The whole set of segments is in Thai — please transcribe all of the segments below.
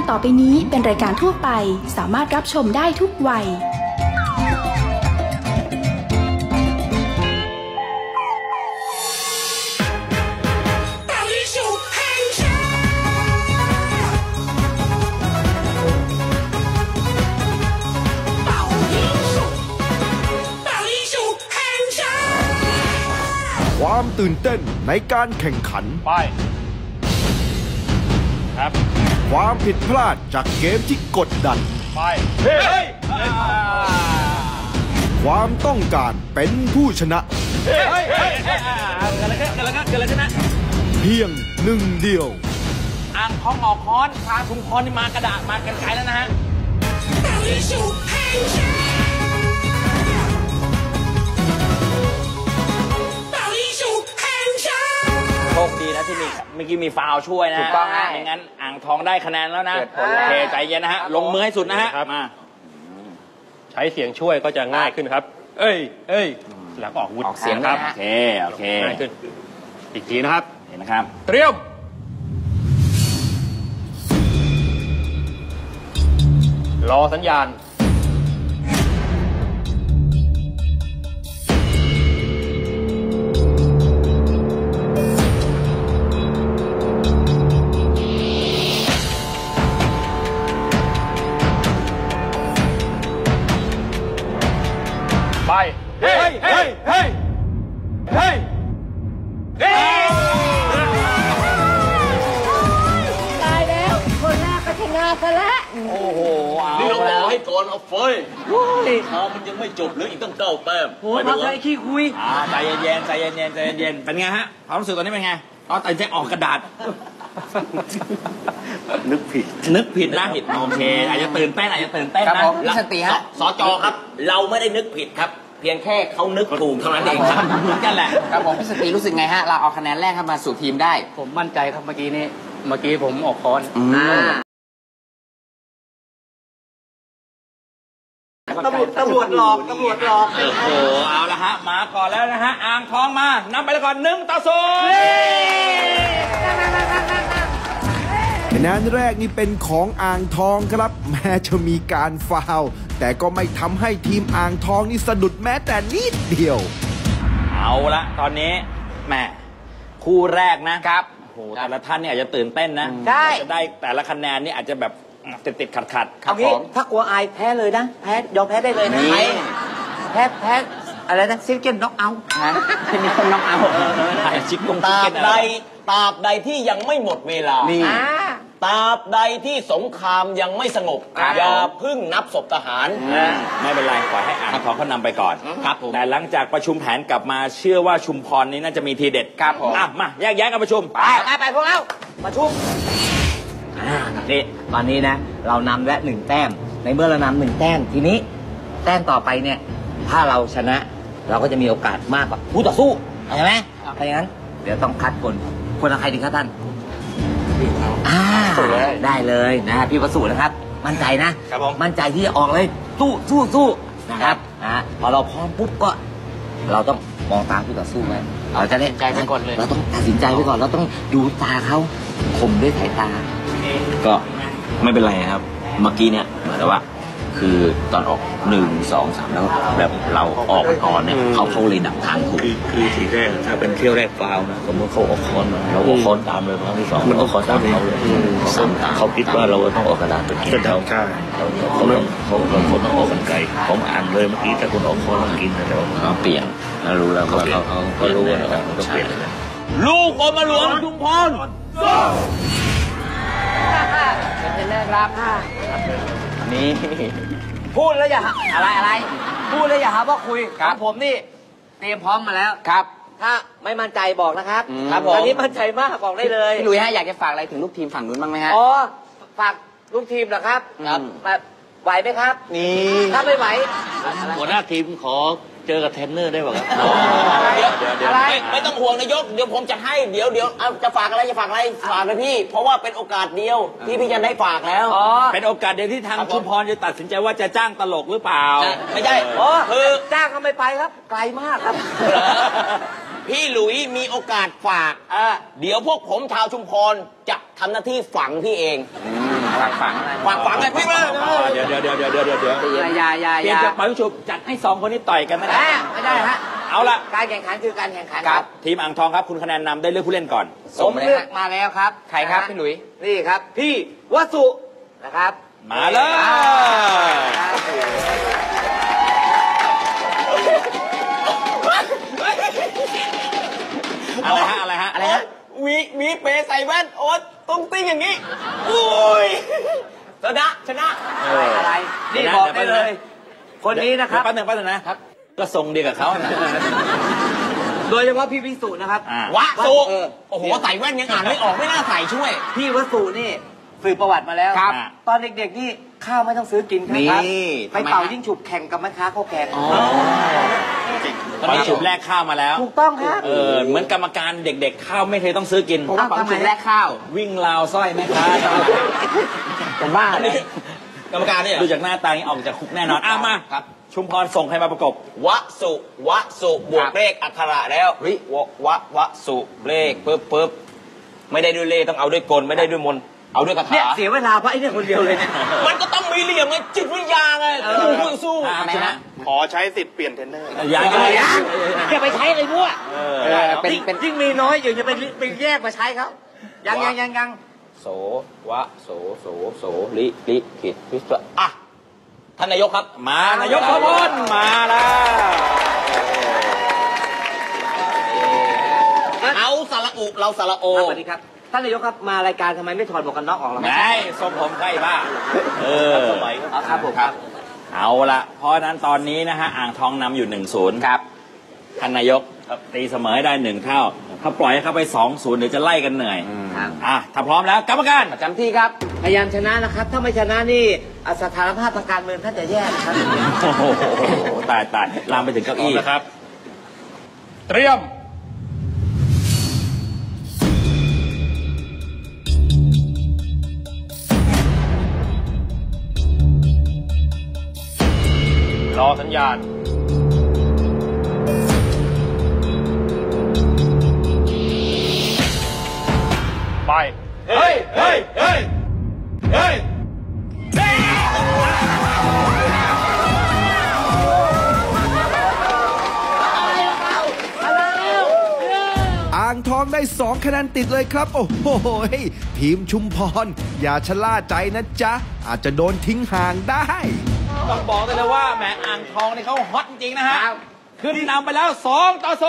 ต่อไปนี้เป็นรายการทั่วไปสามารถรับชมได้ทุกวัยความตื่นเต้นในการแข่งขันไปครับความผิดพลาดจากเกมที่กดดันไปเฮ้ยความต้องการเป็นผู้ชนะเฮ้ยกันแล้วชนะเพียงหนึ่งเดียวอ่างทองออกค้อนพาชุมพรนี่มากระดาษมากันไกลแล้วนะฮะโชคดีนะที่เมื่อกี้มีฟาวช่วยนะถูกต้องฮะไม่งั้นอ่างทองได้คะแนนแล้วนะโอเคใจเย็นนะฮะลงมือให้สุดนะฮะมาใช้เสียงช่วยก็จะง่ายขึ้นครับเอ้ยแล้วก็ออกวุฒิเสียงครับโอเคง่ายขึ้นอีกทีนะครับเห็นนะครับเตรียมรอสัญญาณไปเฮ้ยตายแล้วคนแรกก็ชนะซะแล้วโอ้โหนี่เราบอกให้ก่อนเอาเฟยมันยังไม่จบหรืออีกตั้ง9 แต้มโอ้ยมาเลยขี้คุยใจเย็นเป็นไงฮะความรู้สึกตอนนี้เป็นไงตอนตัดใจออกกระดาษนึกผิดนะโอเคอาจจะตื่นเต้นนะพี่สติฮะสจครับเราไม่ได้นึกผิดครับเพียงแค่เขานึกถูกเท่านั้นเองครับเหมือนกันแหละครับผมพี่สติรู้สึกไงฮะเราเอาคะแนนแรกเข้ามาสู่ทีมได้ผมมั่นใจครับเมื่อกี้ผมออกค้อนตำรวจหลอกโอ้โหเอาละฮะมาก่อนแล้วนะฮะอ่างทองมานำไปแล้วก่อน1-0 คะแนนแรกนี่เป็นของอ่างทองครับแม้จะมีการฟาวล์แต่ก็ไม่ทำให้ทีมอ่างทองนี่สะดุดแม้แต่นิดเดียวเอาละตอนนี้แม่คู่แรกนะครับโอ้โหแต่ละท่านเนี่ยอาจจะตื่นเต้นนะจะได้แต่ละคะแนนนี่อาจจะแบบติดขัดเอางี้ถ้ากลัวอายแพ้เลยนะยอมแพ้ได้เลยนะแพ้อะไรนะซิงเกิลน็อกเอาท์มีคนน็อกเอาท์ตราบใดที่ยังไม่หมดเวลาตราบใดที่สงครามยังไม่สงบอย่าพึ่งนับศพทหารไม่เป็นไรปล่อยให้อ่างทองเขานำไปก่อนครับแต่หลังจากประชุมแผนกลับมาเชื่อว่าชุมพรนี้น่าจะมีทีเด็ดครับผมมาแยกย้ายกันประชุมไปพวกเราประชุมนี่ตอนนี้นะเรานำและ1 แต้มในเมื่อเรานำ1 แต้มทีนี้แต้มต่อไปเนี่ยถ้าเราชนะเราก็จะมีโอกาสมากกว่าผู้ต่อสู้ใช่ไหมเพราะงั้นเดี๋ยวต้องคัดคนละใครดีครับท่านได้เลยนะพี่ประสูตินะครับมั่นใจนะมั่นใจที่จะออกเลยสู้นะครับพอเราพร้อมปุ๊บก็เราต้องมองตาผู้ต่อสู้ไว้เราจะได้ใจไปก่อนเลยเราต้องตัดสินใจไปก่อนเราต้องดูตาเขาข่มด้วยสายตาก็ไม่เป็นไรครับเมื่อกี้เนี่ยเหมือนว่าคือตอนออก1 2 3แล้วแบบเราออกไปก่อนเนี่ยเขาเลยดักทางถูกคือทีแรกถ้าเป็นเที่ยวแรกฟาวนะสมมติเขาออกคอนเราออกคอนตามเลยครั้งที่2มันออกคอนตามเขาเลยเขาคิดว่าเราต้องออกกระดาษไปกินเขาใช่เขาต้องออกกันไกลผมอ่านเลยเมื่อกี้ถ้าคุณออกคอนต้องกินแต่ว่าเปลี่ยนเรารู้แล้วเขารู้ว่าเราต้องเปลี่ยนลูกอมหลวงชุมพรเป็นเรื่องรับนี่พูดแล้วอย่าอะไรพูดแล้วอย่าหาว่าคุยครับผมนี่เตรียมพร้อมมาแล้วครับถ้าไม่มั่นใจบอกนะครับครับผมตอนนี้มั่นใจมากบอกได้เลยพี่ลุยฮะอยากจะฝากอะไรถึงลูกทีมฝั่งนู้นบ้างไหมฮะอ๋อฝากลูกทีมเหรอครับไหวไหมครับนี่ถ้าไม่ไหวหัวหน้าทีมขอเจอกับเทรนเนอร์ได้ป่ะครับไม่ต้องห่วงนายกเดี๋ยวผมจะให้เดี๋ยวจะฝากอะไรฝากเลยพี่เพราะว่าเป็นโอกาสเดียวที่พี่จะได้ฝากแล้วเป็นโอกาสเดียวที่ทางชุมพรจะตัดสินใจว่าจะจ้างตลกหรือเปล่าไม่ใช่คือจ้างก็ไม่ไปครับไกลมากครับพี่หลุยมีโอกาสฝากเดี๋ยวพวกผมชาวชุมพรจะทำหน้าที่ฝังพี่เองฝังอะไรพี่มาเดี๋ยวอย่าเปลี่ยนจากปล่อยฉุบจัดให้2คนนี้ต่อยกันไม่ได้ฮะเอาละการแข่งขันคือการแข่งขันครับทีมอ่างทองครับคุณคะแนนนำได้เลือกผู้เล่นก่อนผมเลือกมาแล้วครับใครครับพี่หลุยนี่ครับพี่วสุนะครับมาเลยอะไรฮะวีเปใส่แว่นโอ๊ตตุ้งติ้งอย่างนี้อุ้ยชนะอะไรนี่บอกได้เลยคนนี้นะครับแป๊บนึงนะครับก็ทรงเดียวกับเขาโดยเฉพาะพี่วิสุนะครับวสุโอ้โหใส่แว่นยังอ่านไม่ออกไม่น่าใส่ช่วยพี่วสุนี่สืบประวัติมาแล้วตอนเด็กๆนี่ข้าวไม่ต้องซื้อกินครับไปเป่ายิ่งฉุบแข่งกับแม่ค้าข้าวแกงตอนนี้ฉุบแลกข้าวมาแล้วถูกต้องครับเหมือนกรรมการเด็กๆข้าวไม่เคยต้องซื้อกินทำไมแลกข้าววิ่งราวสร้อยแม่ค้าเป็นบ้าเลยกรรมการเนี่ยดูจากหน้าตาออกจากคุกแน่นอนมาครับชุมพรส่งใครมาประกบวสุบวกเลขอักขระแล้ววสุเลขปึ๊บไม่ได้ด้วยเลขต้องเอาด้วยกลไม่ได้ด้วยมนเอาด้วยคาถาเนี่ยเสียเวลาเพราะไอ้เนี่ยคนเดียวเลยเนี่ยมันก็ต้องมีเหลี่ยมไงจิตวิญญาณไงสู้ชนะขอใช้สิทธิ์เปลี่ยนเทรนเนอร์อย่าไปใช้เลยมั่วยิ่งมีน้อยอยู่จะไปแยกมาใช้เขายังโสลิขิตวิศวะอ่ะท่านนายกครับมานายกขบวนมาแล้วเอาสระอุเราสระโอสวัสดีครับท่านนายกครับมารายการทำไมไม่ถอดหมวกกันน็อกออกล่ะไม่ทรงผมใกล้บ้าสมัยครับผมครับเอาละเพราะนั้นตอนนี้นะฮะอ่างทองนำอยู่ 1-0ครับท่านนายกตีเสมอได้1เท่าถ้าปล่อยให้เขาไป 2-0เดี๋ยวจะไล่กันเหนื่อยถ้าพร้อมแล้วกรรมการประจำที่ครับพยายามชนะนะครับถ้าไม่ชนะนี่สถานภาพทางการเมืองท่านจะแย่นะครับโอ้โหตายลามไปถึงเก้าอี้นะครับเตรียมรอสัญญาณไปเฮ้ยอ่างทองได้2คะแนนติดเลยครับโอ้โหทีมชุมพรอย่าชะล่าใจนะจ๊ะอาจจะโดนทิ้งห่างได้ต้องบอกเลยว่าแหมอ่างทองนี่เขาฮอตจริงนะฮะขึ้นนำไปแล้ว2-0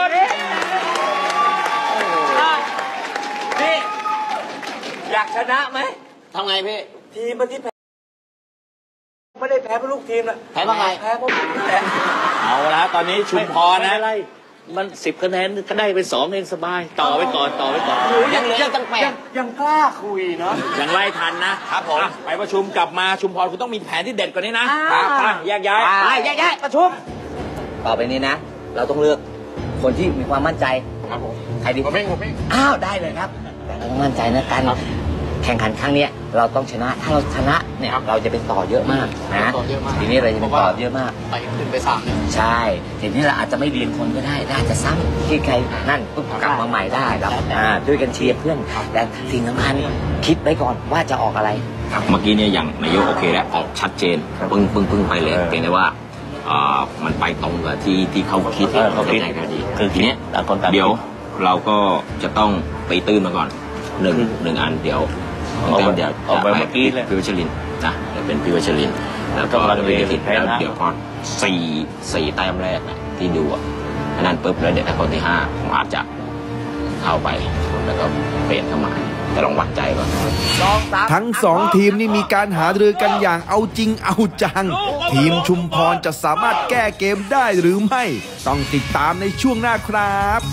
พี่อยากชนะไหมทำไงพี่ทีมที่แพ้ไม่ได้แพ้เพราะลูกทีมนะแพ้เพราะไงแพ้เพราะเอาละตอนนี้ชุมพรนะมัน10 คะแนนก็ได้เป็น2เองสบายต่อไว้ก่อนยังเหลือตั้ง8 ยังกล้าคุยเนาะยังไล่ทันนะครับผมไปประชุมกลับมาชุมพรคุณต้องมีแผนที่เด็ดกว่านี้นะแยกย้ายประชุมต่อไปนี้นะเราต้องเลือกคนที่มีความมั่นใจครับผมใครดีผมอ้าวได้เลยครับแต่เราต้องมั่นใจนะกันแข่งขันครั้งนี้เราต้องชนะถ้าเราชนะเนี่ยเราจะเป็นต่อเยอะมากนะทีนี้เราจะเป็นต่อเยอะมากไปถึงไป3เนี่ยใช่ทีนี้เราอาจจะไม่เรียนคนก็ได้อาจจะซ้ำที่ใครนั่นปุ๊บกลับมาใหม่ได้ครับด้วยกันเชียร์เพื่อนแต่สิ่งสำคัญคิดไว้ก่อนว่าจะออกอะไรเมื่อกี้เนี่ยอย่างนายกโอเคแล้วออกชัดเจนปึ้งไปเลยเพียงแต่ว่ามันไปตรงกับที่เขาคิดเขาคิดพอดีคือทีนี้เดี๋ยวเราก็จะต้องไปตื้นมาก่อนหนึ่งอันเดี๋ยวเอาไปเมื่อกี้เลยพิวัชรินนะเป็นพิวัชรินแล้วก็เดี๋ยวพอ4 แต้มแรกนะที่ดูอันนั้นปุ๊บแล้วเดี๋ยวถ้าคนที่5ผมอาจจะเข้าไปแล้วก็เปลี่ยนเข้ามาแต่ลองวัดใจก่อนทั้ง2ทีมนี่มีการหารือกันอย่างเอาจริงเอาจังทีมชุมพรจะสามารถแก้เกมได้หรือไม่ต้องติดตามในช่วงหน้าครับ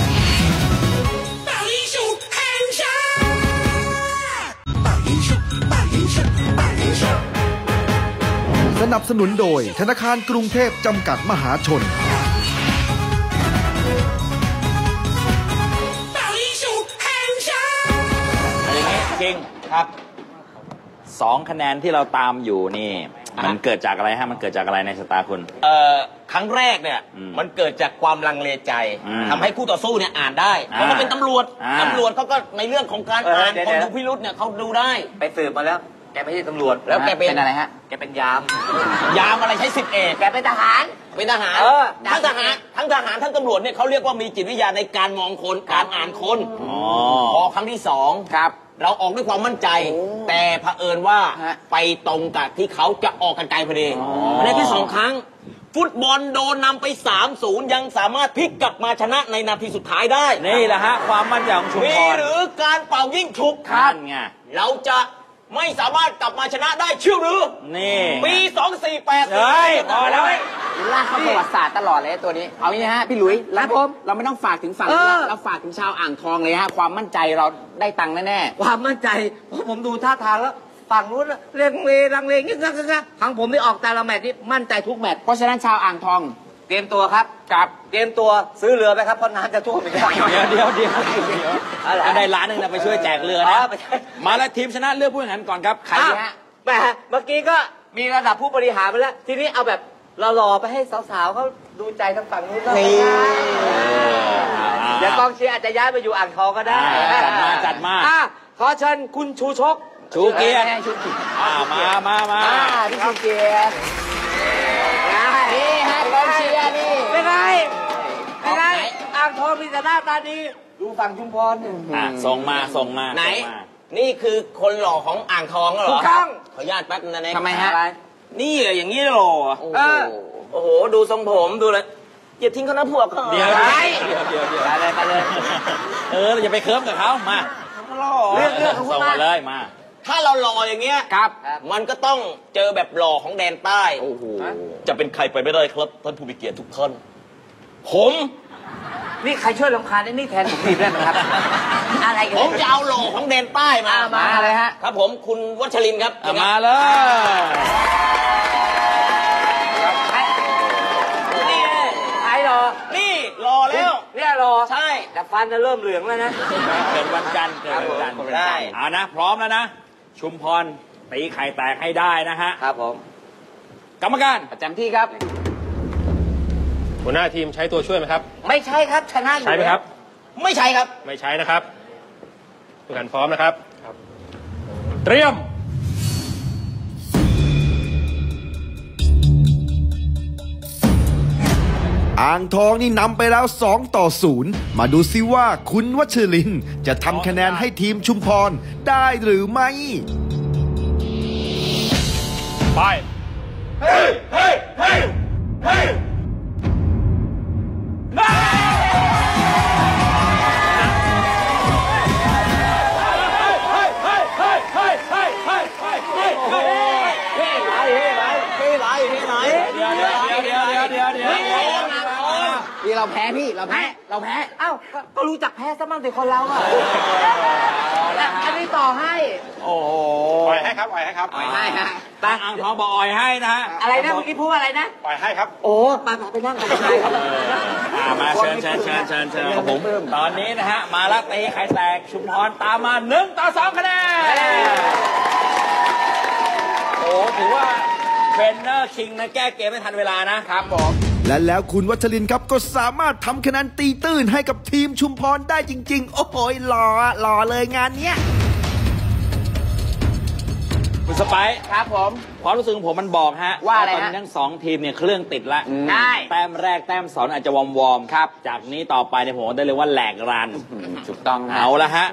สนับสนุนโดยธนาคารกรุงเทพจำกัดมหาชนจริงครับ2 คะแนนที่เราตามอยู่นี่มันเกิดจากอะไรฮะมันเกิดจากอะไรในสตาร์คุณครั้งแรกเนี่ยมันเกิดจากความลังเลใจทำให้คู่ต่อสู้เนี่ยอ่านได้เพราะเขาเป็นตำรวจเขาก็ในเรื่องของการอ่านคนดูพิรุธเนี่ยเขาดูได้ไปสืบมาแล้วแกไม่ใช่ตำรวจแล้วแกเป็นอะไรฮะแกเป็นยามอะไรใช้10 เอกแกเป็นทหารทั้งทหารทั้งตำรวจเนี่ยเขาเรียกว่ามีจิตวิทยาในการมองคนการอ่านคนพอครั้งที่2 ครับเราออกด้วยความมั่นใจแต่เผอิญว่าไปตรงกับที่เขาจะออกกันไกลพอดีในที่2 ครั้งฟุตบอลโดนนำไป 3-0 ยังสามารถพลิกกลับมาชนะในนาทีสุดท้ายได้นี่แหละฮะความมั่นใจของชุมพรมีหรือการเป่ายิ่งฉุบครับเราจะไม่สามารถกลับมาชนะได้เชื่อหรือนี่ปี2480 เฮ้ยพอแล้วลากเข้าประวัติศาสตร์ตลอดเลยตัวนี้เอางี้ฮะพี่หลุยแล้วเราไม่ต้องฝากถึงฝั่งเราฝากถึงชาวอ่างทองเลยฮะความมั่นใจเราได้ตังค์แน่ๆความมั่นใจเพราะผมดูท่าทางแล้วฝั่งนู้นเรียงเลลังเลงี้ทางผมได้ออกแต่ละแมตช์นี่มั่นใจทุกแมตช์เพราะฉะนั้นชาวอ่างทองเตรียมตัวครับเตรียมตัวซื้อเรือไปครับเพราะน้ำจะท่วมอีกแล้วเดี๋ยวได้ล้านนึงนะไปช่วยแจกเรือนะมาแล้วทีมชนะเลือกผู้แข่งขันก่อนครับใครฮะแหมเมื่อกี้ก็มีระดับผู้บริหารไปแล้วทีนี้เอาแบบหล่อๆไปให้สาวๆเขาดูใจทางฝั่งนู้นแล้วเดี๋ยวกองเชียร์อาจจะย้ายไปอยู่อ่างทองก็ได้จัดมาขอเชิญคุณชูชกชูเกียรติมาพี่ชูเกียรตินี่ฮะกองเชียร์นี่เป็นไงอ่างทองมีแต่หน้าตาดีดูฝั่งชุมพรส่งมาไหนนี่คือคนหล่อของอ่างทองเหรอถูกต้องขออนุญาตแป๊บนึงนะทำไมฮะนี่อย่างนี้หล่อโอ้โหดูทรงผมดูเลยอย่าทิ้งเขานะพวกเขาเดี๋ยวไปเลยอย่าไปเคิร์ฟกับเขามาเรื่องส่งมาเลยมาถ้าเราหล่ออย่างเงี้ยครับมันก็ต้องเจอแบบหล่อของแดนใต้โอ้โหจะเป็นใครไปไม่ได้ครับท่านผู้มีเกียรติทุกท่านผมนี่ใครช่วยลำคาญนี่แทนผมทีได้ไหมครับอะไรกันผมจะเอาหล่อของแดนใต้มาเลยฮะครับผมคุณวัชรินทร์ครับมาเลยนี่ใครหล่อนี่หล่อแล้วเนี่ยหล่อใช่แต่ฟันจะเริ่มเหลืองแล้วนะเกิดวันจันทร์ได้เอานะพร้อมแล้วนะชุมพรตีไข่แตกให้ได้นะฮะครับผมกรรมการประจำที่ครับหัวหน้าทีมใช้ตัวช่วยไหมครับไม่ใช่ครับชนะใช่ไหมครับไม่ใช่ครับไม่ใช้นะครับทุกท่านพร้อมนะครับเตรียมอ่างทองนี่นำไปแล้ว2-0มาดูซิว่าคุณวัชรินทร์จะทำคะแนนให้ทีมชุมพรได้หรือไม่ไปเฮ้ยเราแพ้พี่เราแพ้อ้าวก็รู้จักแพ้ซะบ้างสิคนเราอ่ะอันนี้ต่อให้โอ้ปล่อยให้ครับปล่อยให้ฮะตั้งอ่างทองบอกอ่อยให้นะฮะอะไรนะเมื่อกี้พูดอะไรนะปล่อยให้ครับโอ้ไปนั่งกันมาเชิญครับผมตอนนี้นะฮะมาละตีไข่แตกชุมพรตามมา1-2คะแนนโอ้ถือว่าเทรนเนอร์คิงนะแก้เกมไม่ทันเวลานะครับผมและแล้วคุณวัชรินทร์ครับก็สามารถทำคะแนนตีตื้นให้กับทีมชุมพรได้จริงๆโอ้โหหล่อเลยงานเนี้ยคุณสไปซ์ครับผมความรู้สึกของผมมันบอกฮะว่าอะไรฮะตอนนี้ทั้ง2ทีมเนี่ยเครื่องติดละได้แต้มแรกแต้ม2อาจจะวอร์มครับจากนี้ต่อไปเนี่ยผมได้เลยว่าแหลกรันถูกต้องเอาละฮะ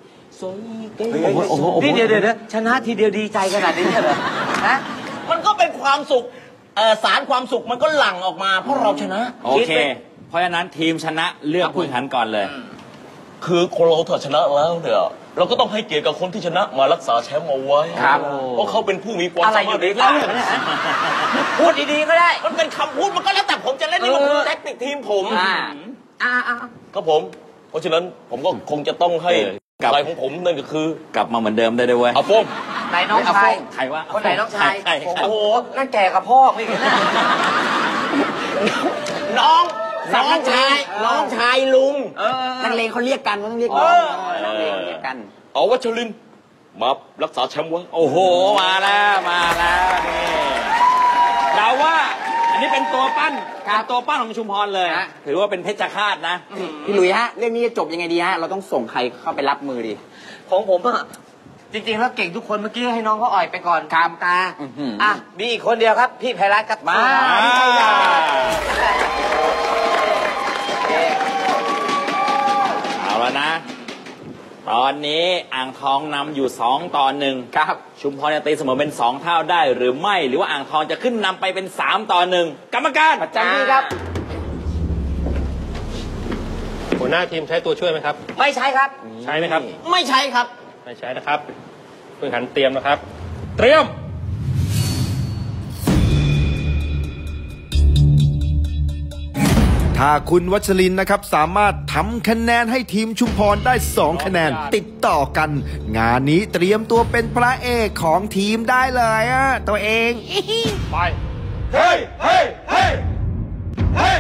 นี่เดี๋ยวชนะทีเดียวดีใจขนาดนี้เหรอฮะมันก็เป็นความสุขสารความสุขมันก็หลั่งออกมาเพราะเราชนะโอเคเพราะฉะนั้นทีมชนะเลือกผู้แข่งขันก่อนเลยคือคนเราถ้าชนะแล้วเนี่ยเราก็ต้องให้เกียรติกับคนที่ชนะมารักษาแชมป์เอาไว้ครับเพราะเขาเป็นผู้มีความสามารถในการพูดดีๆก็ได้มันเป็นคำพูดมันก็แล้วแต่ผมจะเล่นนี่มันคือแท็กติกทีมผมครับผมเพราะฉะนั้นผมก็คงจะต้องให้อะไรของผมนั่นก็คือกลับมาเหมือนเดิมได้ด้วยเว้ยอาฟงไหนน้องชายใครวะคนไหนน้องชายโอ้โหนั่นแก่กับพ่อไม่เห็นน้องชายลุงนักเลงเขาเรียกกันต้องเรียกน้องนักเลงเรียกกันวัชรินทร์มารักษาแชมป์ไว้โอ้โหมาแล้วนี่อันนี้เป็นตัวปั้นของชุมพรเลยถือว่าเป็นเพชฌฆาตนะพี่หลุยฮะเรื่องนี้จะจบยังไงดีฮะเราต้องส่งใครเข้าไปรับมือดีของผมอะจริงๆแล้วเก่งทุกคนเมื่อกี้ให้น้องเขาอ่อยไปก่อนครับตามีอีกคนเดียวครับพี่ไพรัตน์ครับมาพี่ไพรัตน์เอาแล้วนะตอนนี้อ่างทองนำอยู่2-1ครับชุมพรจะตีเสมอเป็น2เท่าได้หรือไม่หรือว่าอ่างทองจะขึ้นนำไปเป็น3-1กรรมการประจำที่ครับหัวหน้าทีมใช้ตัวช่วยไหมครับไม่ใช้ครับใช้ไหมครับไม่ใช้ครับไม่ใช้นะครับเพิ่งหันเตรียมนะครับเตรียมถ้าคุณวัชรินทร์นะครับสามารถทำคะแนนให้ทีมชุมพรได้2คะแนนติดต่อกันงานนี้เตรียมตัวเป็นพระเอกของทีมได้เลยตัวเองไปเฮ้ยเฮ้ยเฮ้ยเฮ้ย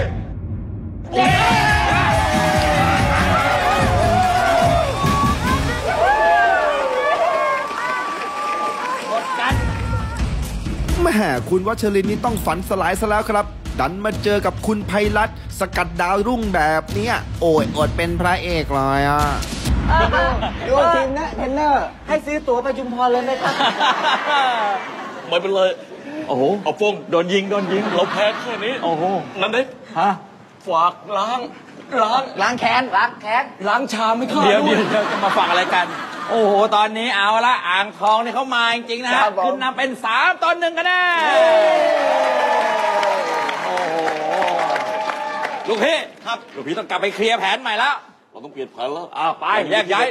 แม่คุณวัชรินทร์นี่ต้องฝันสลายซะแล้วครับดันมาเจอกับคุณไพรัตน์สกัดดาวรุ่งแบบนี้โอ้ยอดเป็นพระเอกเลยดูทีมนะเทรนเนอร์ให้ซื้อตั๋วไปชุมพรเลยไหมครับไม่เป็นเลยโอ้โหเอาฟงโดนยิงเราแพ้แค่นี้โอ้โหนั่นดิฝากล้างแค้นล้างชามไม่เข้าเดี๋ยวจะมาฝากอะไรกันโอ้โหตอนนี้เอาละอ่างทองนี่เขามาจริงๆนะฮะขึ้นนำเป็น3-1กันแน่โอ้โหลูกพี่ครับลูกพี่ต้องกลับไปเคลียร์แผนใหม่แล้วเราต้องเปลี่ยนแผนแล้วไปแยกย้าย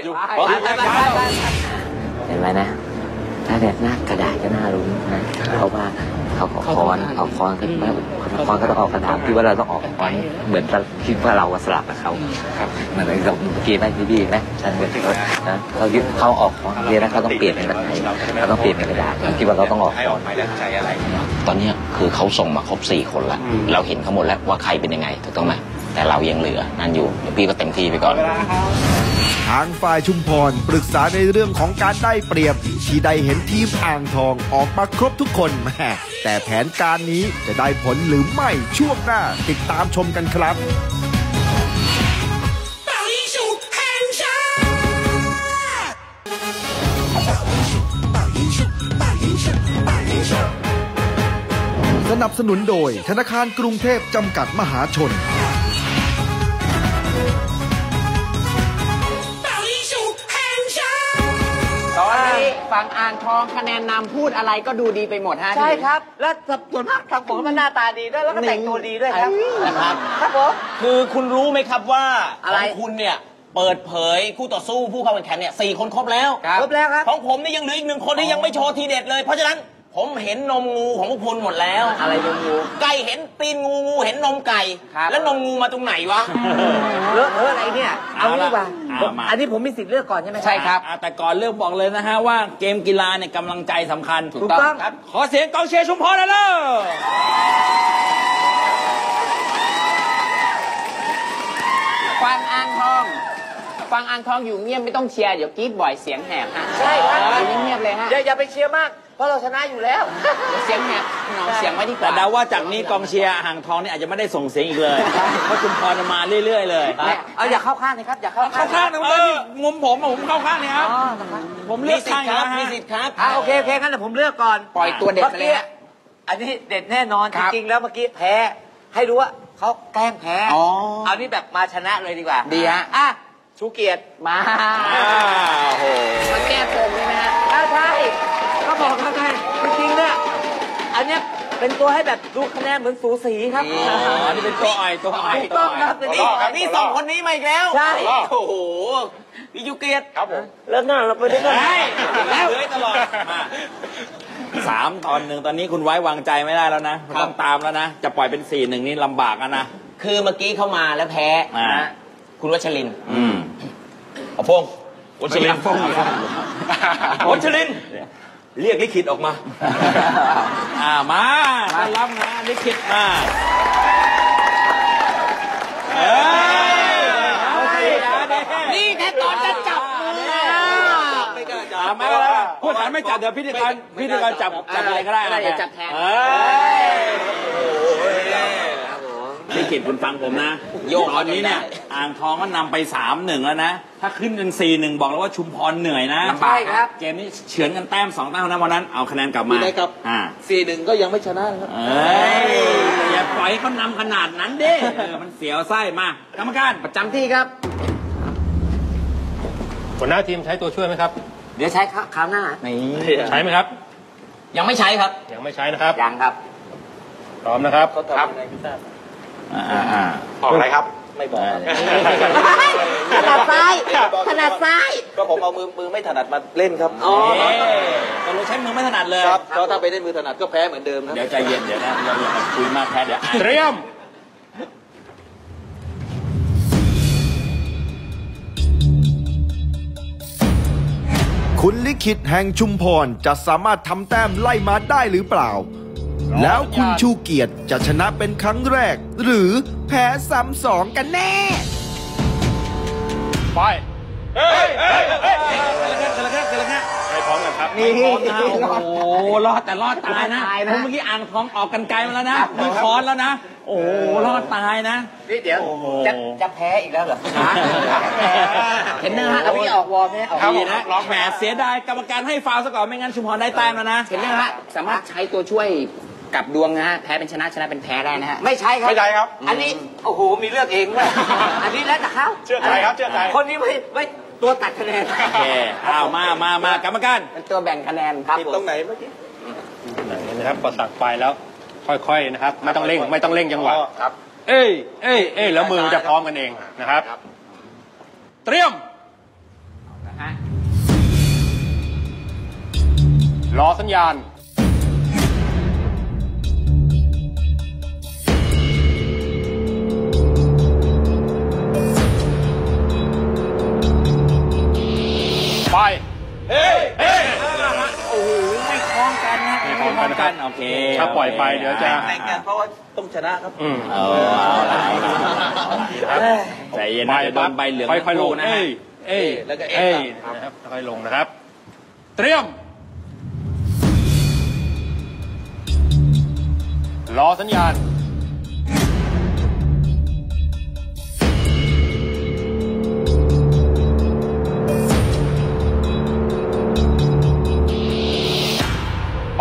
เห็นไหมนะถ้าแบบหน้ากระดาษก็น่ารู้นะเพราะว่าเขาขอคอนขึ้นมาคอนก็ต้องออกกระดาษที่ว่าเราต้องออกคอนเหมือนคิดว่าเราสลับกับเขาเหมือนกับเมื่อกี้ไหมพี่ไหมฉันเหมือนนะเขายึดเขาออกคอนเรียนแล้วเขาต้องเปลี่ยนเป็นแบบไหนเขาต้องเปลี่ยนเป็นกระดาษคิดว่าเราต้องออกคอนตอนนี้คือเขาส่งมาครบ4คนแล้วเราเห็นเขาหมดแล้วว่าใครเป็นยังไงถูกต้องไหมแต่เรายังเหลือนั่นอยู่เดี๋ยวพี่ก็เต็มที่ไปก่อนทางฝ่ายชุมพรปรึกษาในเรื่องของการได้เปรียบที่ได้เห็นทีมอ่างทองออกมาครบทุกคนแม่แต่แผนการนี้จะได้ผลหรือไม่ช่วงหน้าติดตามชมกันครับสนับสนุนโดยธนาคารกรุงเทพจำกัดมหาชนตอนนี้ฝั่งอ่างทองคะแนนนำพูดอะไรก็ดูดีไปหมดฮะใช่ครับและส่วนมากทางผมมันหน้าตาดีด้วยแล้วก็แต่งตัวดีด้วยครับครับผมคือคุณรู้ไหมครับว่าของคุณเนี่ยเปิดเผยคู่ต่อสู้ผู้เข้าแข่งขันเนี่ย4 คนครบแล้วครับของผมนี่ยังเหลืออีก1 คนที่ยังไม่โชว์ทีเด็ดเลยเพราะฉะนั้นผมเห็นนมงูของพวกคุณหมดแล้วอะไรนมงูไก่เห็นตีนงูเห็นนมไก่แล้วนมงูมาตรงไหนวะเลอะอะไรเนี่ยเอาดีกว่าอันนี้ผมมีสิทธิ์เลือกก่อนใช่ไหมใช่ครับแต่ก่อนเลือกบอกเลยนะฮะว่าเกมกีฬาเนี่ยกำลังใจสำคัญถูกต้องครับขอเสียงกองเชียร์ชุมพรหน่อยเลยฟังอ่างทองอยู่เงียบไม่ต้องเชียร์เดี๋ยวกรี๊ดบ่อยเสียงแหบฮะใช่ครับอยู่เงียบเลยฮะอย่าไปเชียร์มากเพราะเราชนะอยู่แล้วเสียงแหบเสียงไว้ดีกว่าแต่เดาว่าจากนี้กองเชียร์อ่างทองนี่อาจจะไม่ได้ส่งเสียงอีกเลยเพราะชุมพรมาเรื่อยๆเลยเอาอย่าเข้าข้างเลยครับอย่าเข้าข้างนะมุมผมเข้าข้างนี่ครับผมเลือกข้างครับมีสิทธิ์ครับโอเคงั้นเดี๋ยวผมเลือกก่อนปล่อยตัวเด็ดเลยฮะอันนี้เด็ดแน่นอนจริงๆแล้วเมื่อกี้แพ้ให้รู้ว่าเขาแกล้งแพ้เอานี่แบบมาชนะเลยดีกว่าดีฮะชูเกียรติมาโอ้โหมาแก้ปมใช่ไหมฮะใช่ก็บอกแล้วไงจริงๆเนี่ยอันเนี้ยเป็นตัวให้แบบดูคะแนนเหมือนสูสีครับนี่เป็นตัวอ่อยถูกต้องครับนี่2 คนนี้มาอีกแล้วใช่โอ้โหพี่ชูเกียรติครับผมแล้วหน้าเราไปได้กันแล้วเลยตลอดมา3-1ตอนนี้คุณไว้วางใจไม่ได้แล้วนะต้องตามแล้วนะจะปล่อยเป็น4-1นี่ลำบากนะคือเมื่อกี้เข้ามาแล้วแพ้คุณวัชรินทร์เอาพงวัชรินทร์วัชรินทร์เรียกลิขิตออกมามารับนะลิขิตมานี่แค่ตอนจะจับมือไม่พูดฐานไม่จับเดี๋ยวพิธีกรจับอะไรก็ได้จับแทนกิจคุณฟังผมนะตอนนี้เนี่ยอ่างทองก็นำไป 3-1 แล้วนะถ้าขึ้นเป็น 4-1 บอกแล้วว่าชุมพรเหนื่อยนะใช่ครับเกมนี้เฉือนกันแต้ม2 แต้มนะวันนั้นเอาคะแนนกลับมาได้ครับ 4-1 ก็ยังไม่ชนะครับอย่าปล่อยให้เขานำขนาดนั้นดิมันเสียวไส้มากรรมการประจำที่ครับหัวหน้าทีมใช้ตัวช่วยไหมครับเดี๋ยวใช้คราวหน้าใช้ไหมครับยังไม่ใช้ครับยังไม่ใช้นะครับยังครับพร้อมนะครับครับออกอะไรครับไม่บอกถนัดซ้ายถนัดซ้ายก็ผมเอามือไม่ถนัดมาเล่นครับตกลงใช้มือไม่ถนัดเลยครับเพราะถ้าไปเล่นมือถนัดก็แพ้เหมือนเดิมนะเดี๋ยวใจเย็นเดี๋ยวนะเราอย่าไปคุยมากแพ้เดี๋ยวเตรียมคุณลิขิตแห่งชุมพรจะสามารถทำแต้มไล่มาได้หรือเปล่าแล้วคุณชูเกียรติจะชนะเป็นครั้งแรกหรือแพ้ซ้ำสองกันแน่ไปเฮ้ยไปพร้อมกันครับนี่โอ้รอดแต่รอดตายนะเมื่อกี้อ่างทองออกกันไกลมาแล้วนะมือค้อนแล้วนะโอ้รอดตายนะนี่เดี๋ยวจะแพ้อีกแล้วเหรอเห็นเนอร์ฮะเอาพี่ออกวอร์มเนี่ยออกดีนะแหมเสียดายกรรมการให้ฟาวล์ซะก่อนไม่งั้นชุมพรได้แต้มแล้วนะเห็นเนอร์ฮะสามารถใช้ตัวช่วยกับดวงนะฮะแพ้เป็นชนะชนะเป็นแพ้ได้นะฮะไม่ใช่ครับอันนี้โอ้โหมีเลือกเองด้วยอันนี้แล้วแต่เขาเชื่อใจครับเชื่อใจคนนี้ไม่ตัวตัดคะแนนโอเคเอามากรรมการเป็นตัวแบ่งคะแนนครับตรงไหนเมื่อกี้นะครับพอสั่งไปแล้วค่อยๆนะครับไม่ต้องเร่งจังหวะครับเอ้ยแล้วมือจะพร้อมกันเองนะครับเตรียมรอสัญญาณไปโอ้โหไม่คล้องกันนะไม่คล้องกันโอเคถ้าปล่อยไปเดี๋ยวจะเพราะว่าต้องชนะครับเอาใจเย็นนะโดนใบเหลืองค่อยๆลงนะแล้วก็นะครับค่อยๆลงนะครับเตรียมรอสัญญาณไป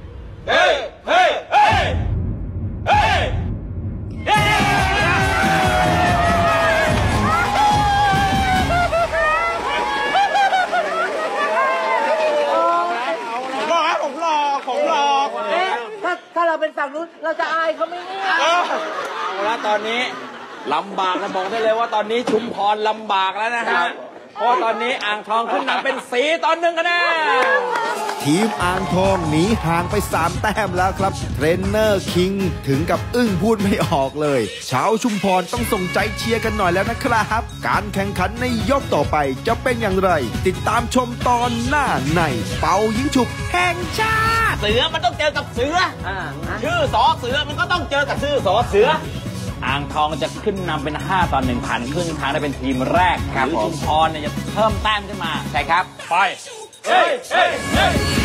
ถ้าเราเป็นฝั่งนู้นเราจะอายเขาไหมเนี่ยเอาละตอนนี้ลำบากนะบอกได้เลยว่าตอนนี้ชุมพรลำบากแล้วนะฮะเพราะตอนนี้อ่างทองขึ้นนำเป็น4-1คะแนนทีมอ่างทองหนีห่างไป3 แต้มแล้วครับเทรนเนอร์คิงถึงกับอึ้งพูดไม่ออกเลยชาวชุมพรต้องส่งใจเชียร์กันหน่อยแล้วนะครับการแข่งขันในยกต่อไปจะเป็นอย่างไรติดตามชมตอนหน้าในเป่ายิงฉุบแห่งชาติเสือมันต้องเจอกับเสือชื่อสอเสือมันก็ต้องเจอกับชื่อสอเสืออ่างทองจะขึ้นนำเป็น5-1ผ่านครึ่งทางได้เป็นทีมแรกหรือชุมพรเนี่ยจะเพิ่มแต้มขึ้นมาใช่ครับไป